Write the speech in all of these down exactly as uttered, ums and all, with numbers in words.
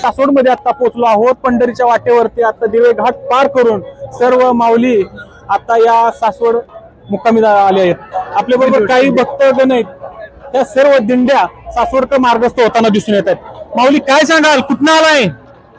सासवड मध्ये आता पोहोचलो आहोत। पंढरीच्या वाटेवरती आता दिवे घाट पार करून सर्व माऊली आता या सासवड मुक्कामी आले आहेत। आपल्या बरोबर काही भक्तगण आहेत, त्या सर्व दिंड्या सासवडकर मार्गस्थ होताना दिसून येत आहेत। माऊली काय सांगाल, कुठं आलाय?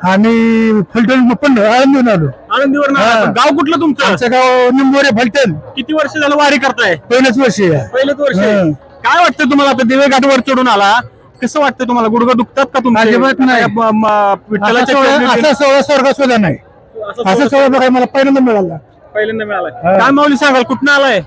आम्ही फलटण पण आळंदीवरून आलो। आळंदीवरून आला? गाव कुठलं तुमचं? आमचं गाव निंबोरे फलटण। किती वर्ष झालं वारी करताय? पहिलंच वर्ष आहे। पहिलंच वर्ष आहे। काय वाटतं तुम्हाला आता दिवे घाटवर चढून आला, कसं वाटतं तुम्हाला? गुडघे दुखतात का तुमचे? अजिबात नाही। म- म- विठ्ठलाच्या चरणी- असा सोहळा स्वर्गात सुद्धा नाही। असं असं सोहळा बघायला मला पहिल्यांदा मिळाला। पहिल्यांदा मिळालाय। काय माऊली सांगाल, कुठं आलाय?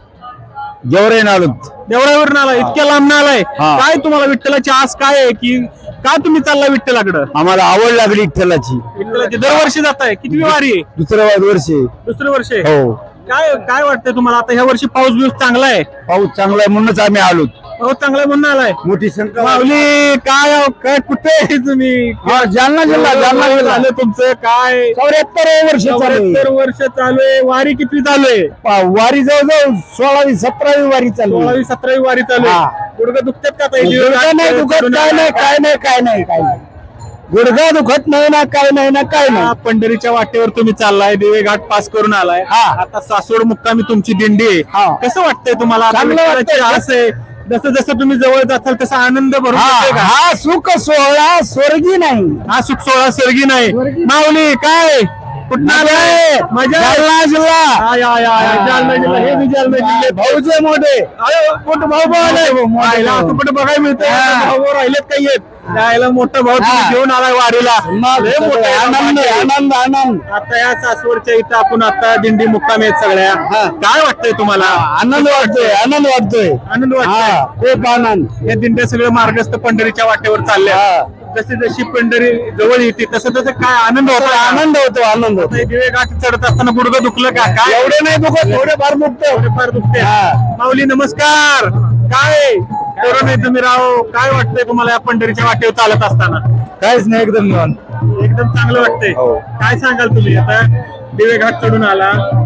जेवढे आलो देवळावरून आलाय, इतक्या लांब आलाय। हा. काय तुम्हाला विठ्ठलाची आस काय आहे, की का तुम्ही चालला विठ्ठलाकडं? आम्हाला आवड लागली विठ्ठलाची। विठ्ठलाची दरवर्षी जाताय? किती वारी आहे? दुसरं वर्ष आहे। दुसरं वर्ष आहे। हो, काय काय वाटतंय तुम्हाला आता ह्या वर्षी? पाऊस बिऊस चांगला आहे? पाऊस चांगला आहे म्हणूनच आम्ही आलो। पाऊस चांगला आहे म्हणून आलाय? मोठी संख्या माऊली काय काय कुठे आहे तुम्ही? हा, जालना जिल्हा जालना जिल्हा झालं तुमचं काय? चौऱ्याहत्तर वर्ष चालू चौऱ्याहत्तर वर्ष चालू आहे। वारी किती चालू आहे? आहे। वारी जवळजवळ सोळावी सतरावी वारी चालू आहे। सोळावी सतरावी वारी चालू हा. आहे। गुडघे दुखतात का ताई? गुडघा नाही दुखत, काय नाही काय नाही काय नाही काय नाही गुडघा दुखत नाही ना, काय नाही ना काय हा, नाही। पंढरीच्या वाटेवर तुम्ही चाललाय, दिवे घाट पास करून आलाय। हा. आता सासवड मुक्कामी तुमची दिंडी आहे। हा. कसं वाटतंय तुम्हाला? आता चांगलं विठ्ठलाची वाटतंय। आस आहे, जसं जसं तुम्ही जवळ जाताल तसा आनंद भरून हा येतोय का? हा सुख सोहळा स्वर्गी नाही। हा सुख सोहळा स्वर्गी नाही। स्वर्गी. माऊली काय कुठं आलाय? मजा आहे? जालना जिल्हा हा, या, या, या. जालना जिल्हा, हे बी जालना जिल्हे भाऊजे मोठे अरे मोठं भाऊ भाऊ आले. मोठे भाऊ, मोठे आयला भाऊ. असं कुठं बघायला मिळतंय? हा. भाऊ भाऊ राहिलेत काही येत यायला मोठा भाऊ तुम्ही हा. घेऊन आलाय वारीला। लय मोठं आहे. आनंद आनंद आनंद आता या सासवडच्या इथं आपण आता दिंडी मुक्कामी आहेत सगळ्या। हा. काय वाटतंय तुम्हाला? आनंद वाटतोय आनंद वाटतोय आनंद हा वाटतोय? खूप आनंद। या दिंड्या सगळे मार्गस्थ पंढरीच्या वाटेवर चालल्या। हा. जशी जशी पंढरी जवळ येते तसं तसं काय आनंद होता? आनंद होतो आनंद होतो। आता दिवे घाट चढत असताना गुडघं दुखलं का? काय एवढे नाही दुखत, थोडे फार दुखत। फार दुखते? हा. माऊली नमस्कार। काय करू नाही तुम्ही राहो? काय वाटतंय तुम्हाला या पंढरीच्या वाटेवर चालत असताना? काहीच नाही, एकदम निवांत। एकदम चांगलं वाटतंय। हो. काय सांगाल तुम्ही? आता दिवे घाट चढून आला,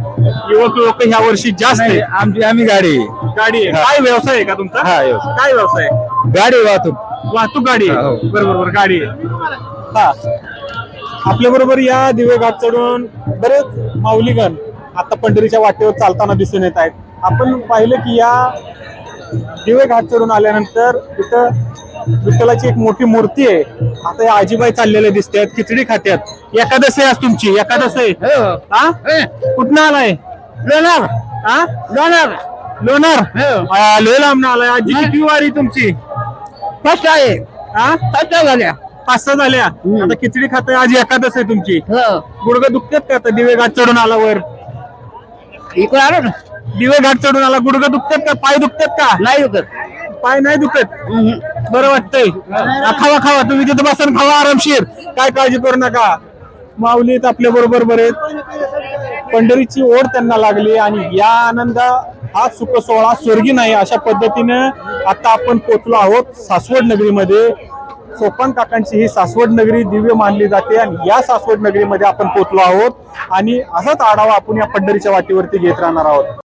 युवक लोक ह्या वर्षी जास्त नाही, आहे। आमची आम्ही गाडी गाडी आहे? हा. काय व्यवसाय आहे का तुमचा? हा, व्यवसाय. काय व्यवसाय? गाडी वाहतूक वाहतूक गाडी आहे? हा, हो. बरोबर बरोबर गाडी आहे। हा, आपल्या बरोबर या दिवे घाट चढून बरेच माऊलीगण आता पंढरीच्या वाटेवर चालताना दिसून येत आहेत। आपण पाहिलं की या दिवे घाट चढून आल्यानंतर तिथं विठ्ठलाची एक मोठी मूर्ती आहे। आता या आजीबाई चाललेले दिसते आहेत, खिचडी खात्यात। एकादशी आहे आज तुमची? एकादशी आहे? हा? कुठनं आलाय? लोणार हा? लोणार लोणार? आ, लय लांब आलाय। आजी किती वारी तुमची? फर्स्ट आहे। हा? फर्स्ट झाल्या। पाच सहा झाल्या। आता खिचडी खाताय, आज एकादश आहे तुमची। हो, गुडघे दुखतात का आता दिवे घाट चढून आला वर? इकडे आलो ना। दिवे घाट चढून आला, गुडघे दुखतात का? पाय दुखतात का? नाही दुखत। पाय नाही दुखत? बरं वाटतंय? आ, खावा खावा, तुम्ही तिथं बसून खावा आरामशीर, काय काळजी करू नका। माऊलीत आपल्या बरोबर बरेच पंढरीची ओढ त्यांना लागली आणि या आनंद हा सुख सोहळा स्वर्गी नाही, अशा पद्धतीनं आता आपण पोहोचलो आहोत सासवड नगरीमध्ये। सोपान काकांची ही सासवड नगरी दिव्य मानली जाते आणि या सासवड नगरीमध्ये आपण पोहोचलो आहोत आणि असाच आढावा आपण या पंढरीच्या वाटेवरती घेत राहणार आहोत।